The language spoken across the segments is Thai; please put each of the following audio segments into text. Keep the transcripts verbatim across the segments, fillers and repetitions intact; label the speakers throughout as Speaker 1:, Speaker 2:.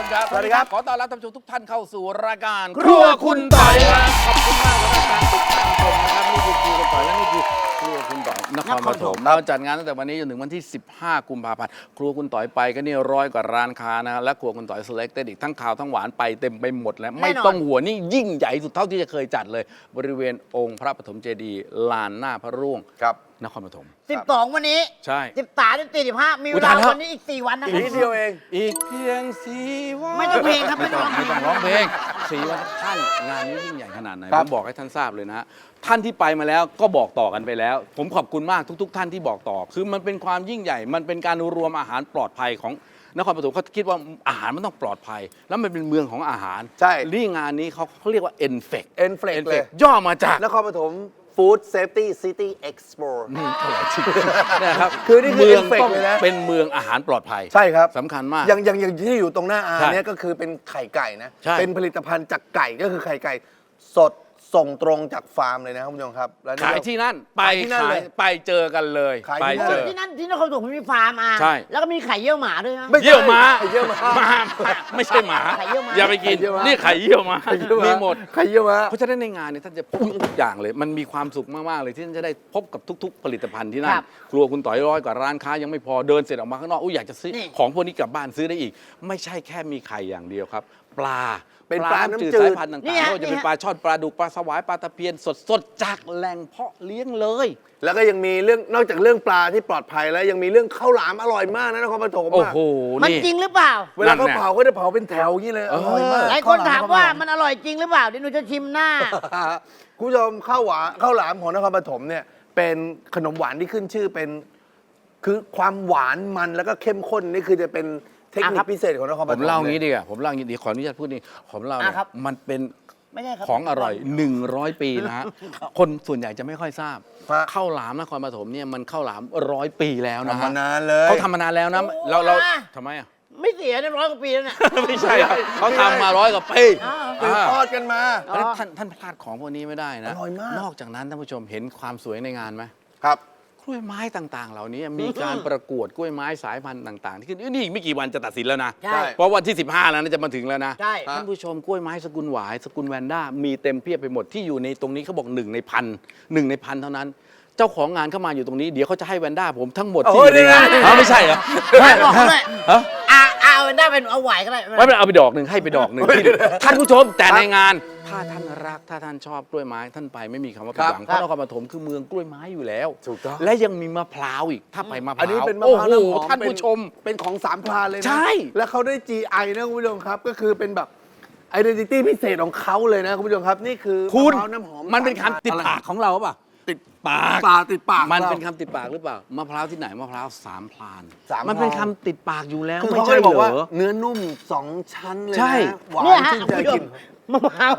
Speaker 1: ครับ
Speaker 2: สวัสดีครับ
Speaker 1: ขอต้อนรับท่านผู้ชมทุกท่านเข้าสู่รายการครัวคุณต่อยครับขอบคุณมากสำหรับการติดตามชมนะครับนี่คือครัวคุณต่อยและนี่คือครัวคุณต่อยนครปฐมเราจัดงานตั้งแต่วันนี้จนถึงวันที่สิบห้ากุมภาพันธ์ครัวคุณต่อยไปก็นี่ร้อยกว่าร้านค้านะและครัวคุณต่อย selected อีกทั้งข่าวทั้งหวานไปเต็มไปหมดแล้วไม่ต้องหัวนี่ยิ่งใหญ่สุดเท่าที่จะเคยจัดเลยบริเวณองค์พระปฐมเจดีย์ลานหน้าพระร่วง
Speaker 2: ครับ
Speaker 1: นครปฐม
Speaker 3: สิบสองวันนี้
Speaker 1: ใช่
Speaker 3: สิบสามสิบสี่สิบห้ามีเวลาวันนี้อีกสี่วันนะครับ
Speaker 2: อีกนิดเดียวเอง
Speaker 1: อีกเพียงสี่วัน
Speaker 3: ไม่ต้องเพลงครับไม่ต้อง
Speaker 1: ไม่ต้องร้องเพลงสี่วันท่านงานนี้ยิ่งใหญ่ขนาดไหน
Speaker 2: ครั
Speaker 1: ผ
Speaker 2: บ
Speaker 1: มบอกให้ท่านทราบเลยนะฮะท่านที่ไปมาแล้วก็บอกต่อกันไปแล้ว ผมขอบคุณมากทุก ๆ ท่านที่บอกต่อ คือมันเป็นความยิ่งใหญ่ มันเป็นการรวมอาหารปลอดภัยของนครปฐมเขาคิดว่าอาหารมันต้องปลอดภัย แล้วมันเป็นเมืองของอาหาร
Speaker 2: ใช่
Speaker 1: นี่งานนี้เขาเขาเรียกว่า เอ็น เฟค
Speaker 2: เอ็นเฟลกเลย
Speaker 1: ย่อมาจาก
Speaker 2: นครปฐม Food Safety City Expo
Speaker 1: นี่เท่าไหร่จริงนะครับ
Speaker 2: คือนี่คือ
Speaker 1: เมือง
Speaker 2: Enfect
Speaker 1: ต้อง
Speaker 2: เลยนะ
Speaker 1: เป็นเมืองอาหารปลอดภัย
Speaker 2: ใช่ครับ
Speaker 1: สำคัญมาก
Speaker 2: อย่างอย่างอย่างที่อยู่ตรงหน้าอา
Speaker 1: ใช่
Speaker 2: เนี่ยก็คือเป็นไข่ไก่นะ
Speaker 1: ใช่
Speaker 2: เป็นผลิตภัณฑ์จากไก่ก็คือไข่ไก่สดส่งตรงจากฟาร์มเลยนะครับคุณผู้ชมครับแล้วนี่
Speaker 1: ขาย
Speaker 2: ก็
Speaker 1: ที่นั่นไป
Speaker 2: ขายที่นั่น
Speaker 1: ขา
Speaker 2: เลย ย
Speaker 1: ไปเจอกันเลย
Speaker 2: ขาย
Speaker 1: ไป
Speaker 2: ที่นั่น
Speaker 1: เจอ
Speaker 3: ที่นั่นที่นครปฐมมีฟาร์มอ่ะ
Speaker 1: ใช่
Speaker 3: แล้วก็มีไข่เยี่ยวหมาด้วยนะ
Speaker 2: ไม่ใช่
Speaker 1: เยี่ยวม้า
Speaker 2: ไข่เยี่ยวม้า
Speaker 1: ม้าไม่ใช่หมา
Speaker 3: ไข่เยี่ยวม้า
Speaker 1: อย่าไปกิน
Speaker 2: ไข่เยี่ยวม้า
Speaker 1: นี่ไข่เยี่ยวม้า
Speaker 2: ไข่เยี่ยว
Speaker 1: มีหมด
Speaker 2: ไข่เยี่ยวม้า
Speaker 1: เพราะฉะนั้นในงานเนี่ยท่านจะพบทุกอย่างเลย มันมีความสุขมากๆเลยที่ท่านจะได้พบกับทุก ๆ ผลิตภัณฑ์ที่นั่น
Speaker 3: ครับ
Speaker 1: ครัวคุณต่อยร้อยกว่าร้านค้ายังไม่พอเดินเสร็จออกมาข้างนอกอุ้ยอยากจะซื้อ
Speaker 3: นี่
Speaker 1: ของพวกนี้กลับบ้านซื้อได้อีก ไม่ใช่แค่มีไข่อย่างเดียวครับ ปลา
Speaker 2: เป็นปลาน้ำจืด
Speaker 1: สายพันธุ์ต่างๆ
Speaker 3: นี่
Speaker 1: ไม่
Speaker 3: ฮะ
Speaker 1: ว่าจะเป็น
Speaker 3: นี่ฮะ
Speaker 1: ปลาช่อนปลาดุกปลาสวายปลาตะเพียนสดๆจากแหล่งเพาะเลี้ยงเลย
Speaker 2: แล้วก็ยังมีเรื่องนอกจากเรื่องปลาที่ปลอดภัยแล้วยังมีเรื่องข้าวหลามอร่อยมากนะนครปฐม
Speaker 1: โอ้
Speaker 2: อะ
Speaker 1: โห
Speaker 3: มัน
Speaker 1: นี่
Speaker 3: จริงหรือเปล่า
Speaker 2: เวลาเขา
Speaker 1: นั่นแหละ
Speaker 2: เผาก็จะเผาเป็นแถวอย่างนี้เลยอร่อยมาก
Speaker 3: หลายคนถามว่ามันอร่อยจริงหรือเปล่าเดี๋ยวหนูจะชิมหน้า
Speaker 2: คุณผู้ชมข้าวหวานข้าวหลามของนครปฐมเนี่ยเป็นขนมหวานที่ขึ้นชื่อเป็นคือความหวานมันแล้วก็เข้มข้นนี่คือจะเป็นเทคนิ
Speaker 3: อ่ะครั
Speaker 2: ค
Speaker 3: บ
Speaker 2: พิเศษของนครป
Speaker 1: ผ
Speaker 2: ฐม
Speaker 1: มเล่า
Speaker 2: ลย
Speaker 1: งี้ดีกว่าผมเล่างี้ดีขออนุญาตพูดนี่ผมเล่าเนี่ย
Speaker 3: อ่ะครับ
Speaker 1: มันเป็น
Speaker 3: ไม่ใช่ครับ
Speaker 1: ของอร่อย หนึ่งร้อย ปีนะฮะ คนส่วนใหญ่จะไม่ค่อยทราบ
Speaker 2: ฮะ
Speaker 1: ข้าวหลามนครปฐมเนี่ยมันข้าวหลามร้อยปีแล้วนะ
Speaker 2: ทำ
Speaker 1: ฮะ
Speaker 2: มานานเลย
Speaker 1: เขาทำมานานแล้วนะ
Speaker 3: โอ้
Speaker 1: เราเรา
Speaker 3: อ่ะ
Speaker 1: ทำไมอ่ะ
Speaker 3: ไม่เสียในร้อยกว่าปีแล้วเนี่ย
Speaker 1: ไม่ใช่ครับเขาทำมาร้อยกว่าปี
Speaker 3: อ้าว
Speaker 2: สืบ
Speaker 1: อ่า
Speaker 2: ทอดกันมา
Speaker 3: อ๋อ
Speaker 1: แล้วท่านท่านพลาดของพวกนี้ไม่ได้นะ
Speaker 2: อร่อยมาก
Speaker 1: นอกจากนั้นท่านผู้ชมเห็นความสวยในงานไหม
Speaker 2: ครับ
Speaker 1: กล้วยไม้ต่างๆ เหล่านี้มีการประกวดกล้วยไม้สายพันธุ์ต่างๆ ที่ขึ้นนี่อีกไม่กี่วันจะตัดสินแล้วนะ
Speaker 3: ใช่
Speaker 1: เพราะวันที่สิบห้าแล้วนะจะมาถึงแล้วนะ
Speaker 3: ใช่
Speaker 1: ท่านผู้ชมกล้วยไม้สกุลหวายสกุลแวนด้ามีเต็มเพียบไปหมดที่อยู่ในตรงนี้เขาบอกหนึ่งในพันหนึ่งในพันเท่านั้น เจ้าของงานเข้ามาอยู่ตรงนี้เดี๋ยวเขาจะให้แวนด้าผมทั้งหมดที่
Speaker 2: โอ้
Speaker 1: อยู่ในงาน
Speaker 2: นี่ไง
Speaker 1: อ๋อไม่ใช่เหรอ
Speaker 3: ไม่บอกเขาด้วย
Speaker 1: ฮะ
Speaker 3: อ่าอ่าเอาได้เป็นเอาไหวก็ได้
Speaker 1: ไม่เป็นไรเอาไปดอกหนึ่งให้ไปดอกหนึ่งที่ท่านผู้ชมแต่ในงาน ถ้าท่านรักถ้าท่านชอบกล้วยไม้ท่านไปไม่มีคำว่าผิดหวังเพ
Speaker 3: ครับ
Speaker 1: ราะนครปฐมคือเมืองกล้วยไม้อยู่แล้ว
Speaker 2: ถูกต้อง
Speaker 1: และยังมีมะพร้าวอีกถ้าไปมะพ
Speaker 2: อัน
Speaker 1: ร้าว
Speaker 2: นี้เป็นมะ
Speaker 1: โอ้
Speaker 2: พร้าว
Speaker 1: โห
Speaker 2: น้ำหอม
Speaker 1: ท่านผู้ชม
Speaker 2: เป็นของสามพรานเลยนะ
Speaker 1: ใช่
Speaker 2: แล้วเขาได้ จี ไอ นะคุณผู้ชมครับ ก็คือเป็นแบบ identity พิเศษของเขาเลยนะคุณผู้ชมครับ นี่คือ
Speaker 1: คุณ
Speaker 2: มะพร้าวน้ำหอม
Speaker 1: มันเป็น
Speaker 2: สามพร
Speaker 1: คำติดปากของเราป่ะ
Speaker 2: ติด
Speaker 1: ปาก
Speaker 2: ปากติดปาก
Speaker 1: มัน
Speaker 2: รา
Speaker 1: เป็นคำติดปากหรือเปล่ามะพร้าวที่ไหนมะพร้าวสามพราน
Speaker 2: สามพราน
Speaker 1: มันเป็นคำติดปากอยู่แล้ว
Speaker 2: คือ
Speaker 1: ไม่
Speaker 2: เขาก็
Speaker 1: ใช่
Speaker 2: เลย
Speaker 1: เห
Speaker 2: บอก
Speaker 1: ร
Speaker 2: ว่า
Speaker 1: อ
Speaker 2: เนื้อนุ่มสองชั้นเลยนะ
Speaker 1: ใช่
Speaker 2: หวาน
Speaker 3: เนี่ยฮะ
Speaker 2: ชื่น
Speaker 3: คุณ
Speaker 2: ใจ
Speaker 3: ผู้ช
Speaker 2: กิ
Speaker 3: ม
Speaker 2: น
Speaker 3: มะพร้าว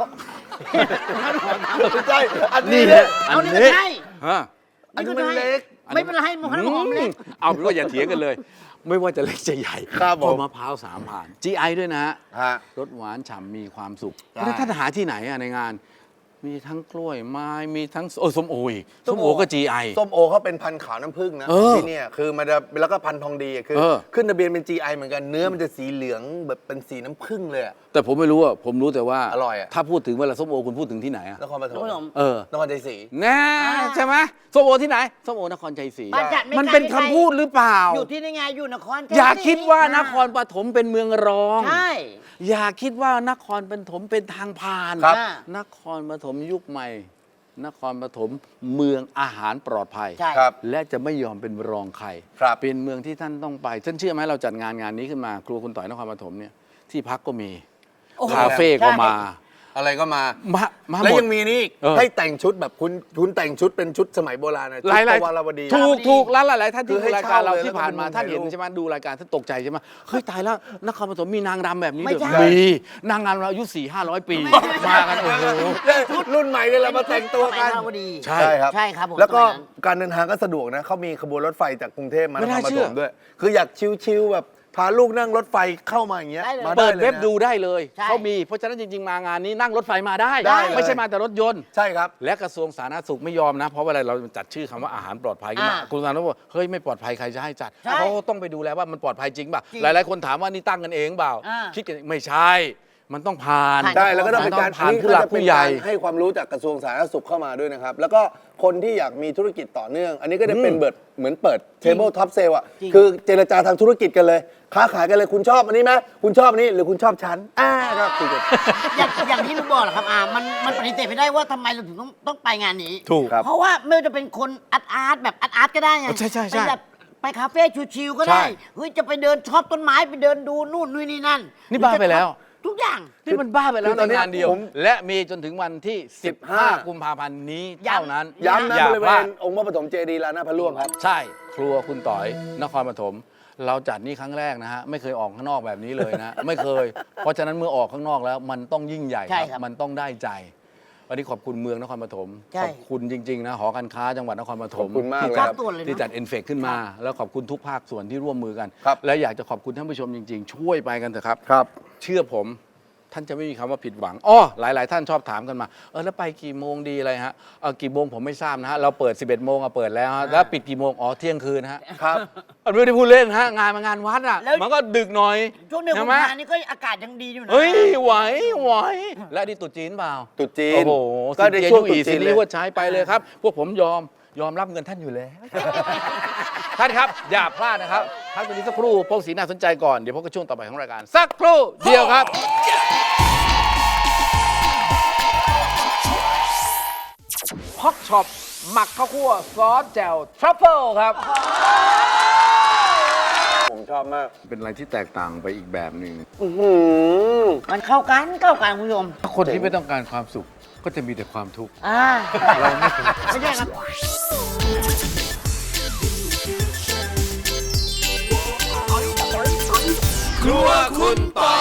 Speaker 2: ไม่ใช่อัน
Speaker 1: นี่
Speaker 2: นี้
Speaker 1: แห
Speaker 2: เนี่ย
Speaker 1: ละอัน
Speaker 3: เอานี่
Speaker 1: นี้
Speaker 3: ก็ใช่
Speaker 1: ฮะ
Speaker 2: อันนี้มันเล็ก
Speaker 3: ไม่เป็นไรมะพร้าวน้ำหอมเล็ก
Speaker 1: เอาเป็นว่าอย่าเถียงกันเลย ไม่ว่าจะเล็กจะใหญ่
Speaker 2: ครับผม
Speaker 1: เพาะมะพร้าวสามผ่าน จี ไอ ด้วยนะฮะ
Speaker 2: ฮะ
Speaker 1: รสหวานฉ่ำมีความสุข
Speaker 2: ใช่
Speaker 1: แล้วท่านหาที่ไหนอะในงาน มีทั้งกล้วยไม้มีทั้งโอ้ส้มโออีก
Speaker 2: ส้
Speaker 1: ส้
Speaker 2: ม
Speaker 1: ม
Speaker 2: โอ
Speaker 1: โอก็ จี ไอ
Speaker 2: ส้มโอเขาเป็นพันธุ์ขาวน้ำผึ้งนะ
Speaker 1: เออ
Speaker 2: ที่เนี่ยคือมันจะแล้วก็พันธุ์ทองดีอะคือ
Speaker 1: เออ
Speaker 2: ขึ้นทะเบียนเป็น จี ไอ เหมือนกันเนื้อมันจะสีเหลืองแบบเป็นสีน้ำผึ้งเลยอะ
Speaker 1: แต่ผมไม่รู้อะผมรู้แต่ว่า
Speaker 2: อร่อยอะ
Speaker 1: ถ้าพูดถึงเวลาส้มโอคุณพูดถึงที่ไหนอะ
Speaker 2: นครปฐ
Speaker 3: นครปฐ
Speaker 2: ม
Speaker 3: ม
Speaker 1: เออ
Speaker 2: นครใจศรี
Speaker 1: แน่ใช่ไหมส้มโอที่ไหนส้มโอนครชัยศรี
Speaker 3: บ้านจัดไม่
Speaker 1: มัน
Speaker 3: ไกล
Speaker 1: เป็น
Speaker 3: ไม่ไกล
Speaker 1: คำพูดหรือเปล่า
Speaker 3: อยู่ที่นี่ไงอยู่นคร
Speaker 1: อย่าคิดว่านครปฐมเป็นเมืองรอง
Speaker 3: ใช่
Speaker 1: อย่าคิดว่านครปฐมเป็นทางผ่าน
Speaker 2: ครับ
Speaker 3: อ่าน
Speaker 1: ครปฐมยุคใหม่ นครปฐมเมืองอาหารปลอดภัย
Speaker 3: ใช่
Speaker 2: ครับ
Speaker 1: และจะไม่ยอมเป็นรองใคร
Speaker 2: ครับ
Speaker 1: เป็นเมืองที่ท่านต้องไปท่านเชื่อไหมเราจัดงานงานนี้ขึ้นมา ครัวคุณต่อยนครปฐมเนี่ยที่พักก็มี
Speaker 3: โอ้โห
Speaker 1: คาเฟ่ก็มา
Speaker 2: อะไรก็มา
Speaker 1: มามาห
Speaker 2: แล้ว
Speaker 1: มด
Speaker 2: ยังมีนี่อีก
Speaker 1: เออ
Speaker 2: ให้แต่งชุดแบบคุณคุณแต่งชุดเป็นชุดสมัยโบราณนะชุ
Speaker 1: ห
Speaker 2: ด
Speaker 1: ลายหลาย
Speaker 2: ปวารวดี
Speaker 1: ถูกถูกแล้วหลายๆท่าน
Speaker 2: คื
Speaker 1: ที่
Speaker 2: อให้
Speaker 1: ดูรายการเรา
Speaker 2: เช่าเลย
Speaker 1: ที่ผ่านมา
Speaker 2: แล้วก็
Speaker 1: ท่านเห็น
Speaker 2: ถ่ายรูป
Speaker 1: ใช่ไหมดูรายการท่านตกใจใช่ไหมเฮ้ยตายแล้วนครปฐมมีนางรำแบบนี้
Speaker 3: ไม่
Speaker 1: ด้วย
Speaker 3: ใช่
Speaker 1: มีนางรำเราอายุสี่ห้าร้อยปีมากันโอ้โห
Speaker 2: ชุดรุ่นใหม่เนี่ยเรามาแต่งตัวกัน
Speaker 3: สมัยพอดี
Speaker 1: ใช่
Speaker 2: ครับ
Speaker 3: ใช่ครับผม
Speaker 2: แล้วก็
Speaker 3: สมัยนั้น
Speaker 2: การเดินทางก็สะดวกนะเขามีขบวนรถไฟจากกรุงเทพมา
Speaker 1: ไม่
Speaker 2: นค
Speaker 1: น่าร
Speaker 2: ป
Speaker 1: เชื่
Speaker 2: ฐ
Speaker 1: อ
Speaker 2: มด้วย คืออยากชิลๆแบบพาลูกนั่งรถไฟเข้ามาอย่างเงี้ย
Speaker 3: ได้เลย
Speaker 2: มา
Speaker 1: เปิด
Speaker 2: ลย
Speaker 1: เว็บ
Speaker 2: นะ
Speaker 1: ดูได้เลย
Speaker 3: ใช่
Speaker 1: เขามีเพราะฉะนั้นจริง ๆ มางานนี้นั่งรถไฟมาได้
Speaker 2: ได้เลย
Speaker 1: ไม่ใช่มาแต่รถยนต์
Speaker 2: ใช่ครับ
Speaker 1: และกระทรวงสาธารณสุขไม่ยอมนะ เพราะว่าอะไรเราจัดชื่อคำว่าอาหารปลอดภัยขึ้นมา
Speaker 3: อ่า
Speaker 1: คุณสาธารณสุขบอกเฮ้ยไม่ปลอดภัยใครจะให้จัด
Speaker 3: ใช่
Speaker 1: เขาก็ต้องไปดูแลว่ามันปลอดภัยจริงป่ะ
Speaker 3: จริง
Speaker 1: หลาย ๆ คนถามว่านี่ตั้งกันเองเปล่า
Speaker 3: อ่า
Speaker 1: คิดกันไม่ใช่ มันต้องผ่าน
Speaker 3: ผ่าน
Speaker 2: ได้แล้วก็ต้องเป็นการ
Speaker 1: ผ่านผู้หลักผู้ใหญ่
Speaker 2: อันนี้ก็จะเป็นการให้ความรู้จากกระทรวงสาธารณสุขเข้ามาด้วยนะครับ แล้วก็คนที่อยากมีธุรกิจต่อเนื่อง อันนี้ก็จะเป็นเบิดเหมือนเปิด table top sale อ่ะ
Speaker 3: จริง
Speaker 2: คือเจรจาทางธุรกิจกันเลย ค้าขายกันเลยคุณชอบอันนี้ไหมคุณชอบอันนี้หรือคุณชอบฉันอ่าก็คุยกัน
Speaker 3: อย่างอย่างที่ลุงบอกแหละครับอ่ามันมันปฏิเสธไม่ได้ว่าทำไมเราถึงต้องต้องไปงานนี้
Speaker 1: ถูกครับ
Speaker 3: เพราะว่าไม่ว่าจะเป็นคนอาร์ตอาร์ตแบบอาร์ตอาร์ตก็ได้ไง
Speaker 1: ใช่ใช่ใช่
Speaker 3: ไปแบบไปคาเฟ่ชิวๆก็
Speaker 1: ใช่
Speaker 3: ได้เฮ้ยจะไปเดินชอบต้นไม้ไปเดินดูนู่นนู่นนี่นั่น
Speaker 1: นี่บ้าไปแล้ว
Speaker 3: ทุกอย่าง
Speaker 1: นี่มันบ้าไปแล้
Speaker 2: คื
Speaker 1: ว
Speaker 2: อตอน
Speaker 1: ใน
Speaker 2: เนี้ย
Speaker 1: งานเดียว
Speaker 2: ผม
Speaker 1: และมีจนถึงวันที่ สิบห้า
Speaker 2: สิบห้า
Speaker 1: กุมภาพันธ์นี้
Speaker 3: ย้ำ
Speaker 1: เท่านั้น
Speaker 2: ย้ำนะ
Speaker 1: อย่า
Speaker 2: บริเว
Speaker 1: พลา
Speaker 2: ณ
Speaker 1: ด
Speaker 2: องค์พระปฐมเจดีย์ลานหน้าพระร่วงครับ
Speaker 1: ใช่ครัวคุณต่อยนครปฐมเราจัดนี่ครั้งแรกนะฮะไม่เคยออกข้างนอกแบบนี้เลยนะ ไม่เคย เพราะฉะนั้นเมื่อออกข้างนอกแล้วมันต้องยิ่งใหญ่
Speaker 3: ใช่
Speaker 1: ค
Speaker 3: ครั
Speaker 1: รับบ มันต้องได้ใจ วันนี้ขอบคุณเมืองนครปฐม
Speaker 3: ใช่
Speaker 1: ขอบคุณจริง ๆ นะหอการค้าจังหวัดนครปฐม
Speaker 2: ขอบคุณมาก
Speaker 1: ที่
Speaker 2: เลย
Speaker 1: จัด
Speaker 2: ครับ
Speaker 3: ตัวเลยนะ
Speaker 1: ที่จัดเอ็นเฟกขึ้นมา แล้วขอบคุณทุกภาคส่วนที่ร่วมมือกัน
Speaker 2: ครับ
Speaker 1: และอยากจะขอบคุณท่านผู้ชมจริง ๆ ช่วยไปกันเถอะครับ
Speaker 2: ครับ
Speaker 1: เชื่อผมท่านจะไม่มีคำว่าผิดหวังอ้อหลาย ๆ ท่านชอบถามกันมา เออแล้วไปกี่โมงดีอะไรฮะเออกี่โมงผมไม่ทราบนะฮะ เราเปิด สิบเอ็ดโมงอะเปิดแล้วฮะแล้วปิดกี่โมง อ๋อเที่ยงคืนฮะ
Speaker 2: ครับ
Speaker 1: มันไม่ได้พูดเล่นฮะ งานมันงานวัดอ่ะ
Speaker 3: แล้ว
Speaker 1: มันก็ดึกหน่อย
Speaker 3: ช่วงเดือนกุ
Speaker 1: ใช่
Speaker 3: ม
Speaker 1: ไหม
Speaker 3: ภานี่ก็อากาศยังดีอยู่นะ
Speaker 1: เฮ้ย ไหวไหวและนี่ตรุษจีนเปล่า
Speaker 2: ตรุษจีน
Speaker 1: โอ้โห
Speaker 2: ก็ใน
Speaker 1: สินเจีย
Speaker 2: ช่วง
Speaker 1: ยู่อี
Speaker 2: ตรุษจี
Speaker 1: สิ
Speaker 2: น
Speaker 1: น
Speaker 2: เลย
Speaker 1: นี้ว่าใช้ไปเลยครับ พวกผมยอมยอมรับเงินท่านอยู่แล้ว ท่านครับ อย่าพลาดนะครับพักตรงนี้สักครู่พวกสีน่าสนใจก่อนเดี๋ยวพบกับช่วงต่อไปของรายการสักครู่เดียวครับ ฮอกช็อปหมักข้าวคั่วซอสแจ่วทรัฟเฟิลครับ
Speaker 2: ผมชอบมาก
Speaker 1: เป็นอะไรที่แตกต่างไปอีกแบบหนึ่ง
Speaker 2: อื้อหือ
Speaker 3: มันเข้ากันเข้ากันคุณผู้ชม
Speaker 1: คนที่ไม่ต้องการความสุขก็จะมีแต่ความทุกข์
Speaker 3: อ่าไม่ใช่ครับ
Speaker 1: ครัวคุณต่อย